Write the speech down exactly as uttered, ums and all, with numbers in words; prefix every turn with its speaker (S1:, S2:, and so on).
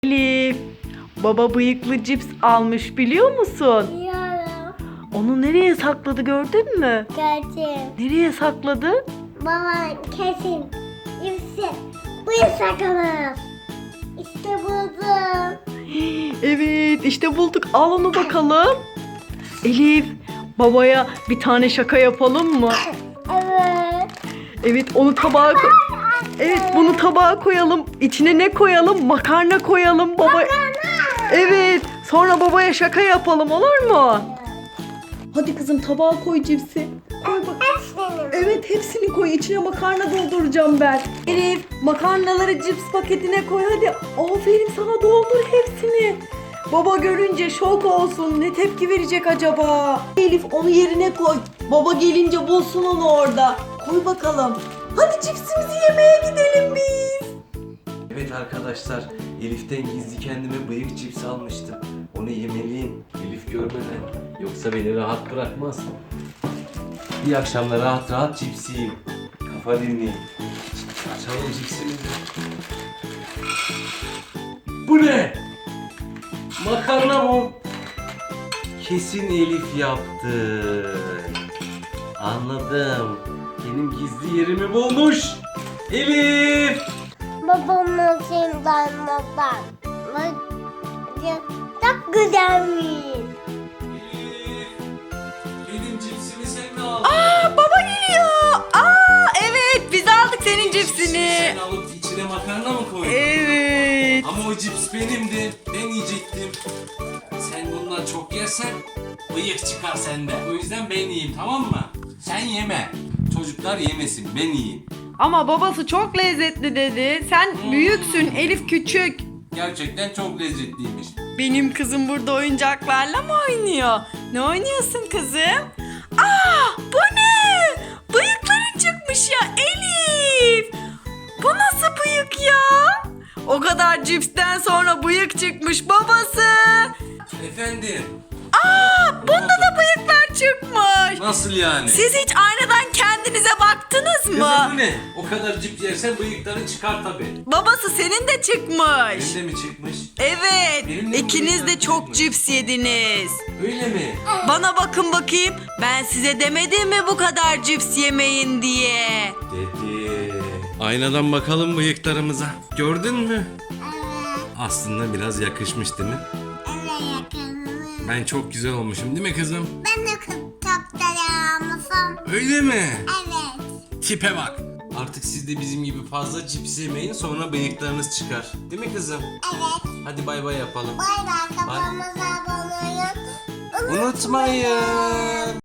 S1: Elif, baba bıyıklı cips almış biliyor musun?
S2: Biliyorum.
S1: Onu nereye sakladı gördün mü?
S2: Gördüm.
S1: Nereye sakladı?
S2: Baba kesin. İpsi. Bu sakalım. İşte buldum.
S1: Evet, işte bulduk. Al onu bakalım. Elif, babaya bir tane şaka yapalım mı?
S2: Evet.
S1: Evet, onu tabağa koy. Evet, bunu tabağa koyalım. İçine ne koyalım? Makarna koyalım baba. Evet, sonra babaya şaka yapalım, olur mu? Hadi kızım, tabağa koy cipsi. Koy bak.
S2: Hepsini.
S1: Evet, hepsini koy. İçine makarna dolduracağım ben. Elif, makarnaları cips paketine koy hadi. Aferin sana, doldur hepsini. Baba görünce şok olsun. Ne tepki verecek acaba? Elif, onu yerine koy. Baba gelince bulsun onu orada. Koy bakalım. Hadi cipsimizi yemeye gidelim biz.
S3: Evet arkadaşlar, Elif'ten gizli kendime bıyık cips almıştım. Onu yemeliyim, Elif görmeden. Yoksa beni rahat bırakmaz. Bir akşamda rahat rahat cips yiyeyim. Kafa dinleyeyim. Açalım cipsimizi. Bu ne? Makarna mı? Kesin Elif yaptı. Anladım. Benim gizli yerimi bulmuş. Elif!
S2: Babamın şeyinden babam. Çok güzelmiş.
S3: Elif! Benim cipsimi sen mi aldın?
S1: Aa, baba geliyor. Aa, evet, biz aldık senin cipsini.
S3: Sen alıp içine makarna mı koydun?
S1: Evet.
S3: Ama o cips benimdi. Ben yiyecektim. Sen bundan çok yersen bıyık çıkar sende. O yüzden ben yiyeyim, tamam mı? Sen yeme. Çocuklar yemesin, ben yiyeyim.
S1: Ama babası çok lezzetli dedi. Sen büyüksün, Elif küçük.
S3: Gerçekten çok lezzetliymiş.
S1: Benim kızım burada oyuncaklarla mı oynuyor? Ne oynuyorsun kızım? Aa, bu ne? Bıyıkların çıkmış ya Elif. Bu nasıl bıyık ya? O kadar cipsten sonra bıyık çıkmış babası.
S3: Efendim?
S1: Aa, bunda da bıyıklar çıkmış.
S3: Nasıl yani?
S1: Siz hiç aynadan kendinize baktınız
S3: Kızım
S1: mı?
S3: bu ne? O kadar cips yersen bıyıkların çıkar tabii.
S1: Babası senin de çıkmış.
S3: Benim de mi çıkmış?
S1: Evet,
S3: Benim de
S1: ikiniz de
S3: bıyıklar
S1: çok
S3: çıkmış.
S1: cips yediniz.
S3: Öyle mi?
S1: Bana bakın bakayım, ben size demedim mi bu kadar cips yemeyin diye?
S3: Dedi. Aynadan bakalım bıyıklarımıza. Gördün mü?
S2: Evet.
S3: Aslında biraz yakışmış değil mi?
S2: Evet yakınım.
S3: Ben çok güzel olmuşum değil mi kızım?
S2: Ben de kaptanımsın.
S3: Öyle mi?
S2: Evet.
S3: Tipe bak. Artık siz de bizim gibi fazla cips yemeyin, sonra bıyıklarınız çıkar. Değil mi kızım?
S2: Evet.
S3: Hadi bay bay yapalım.
S2: Bay bay, kafamıza abone olun.
S3: Unutmayın.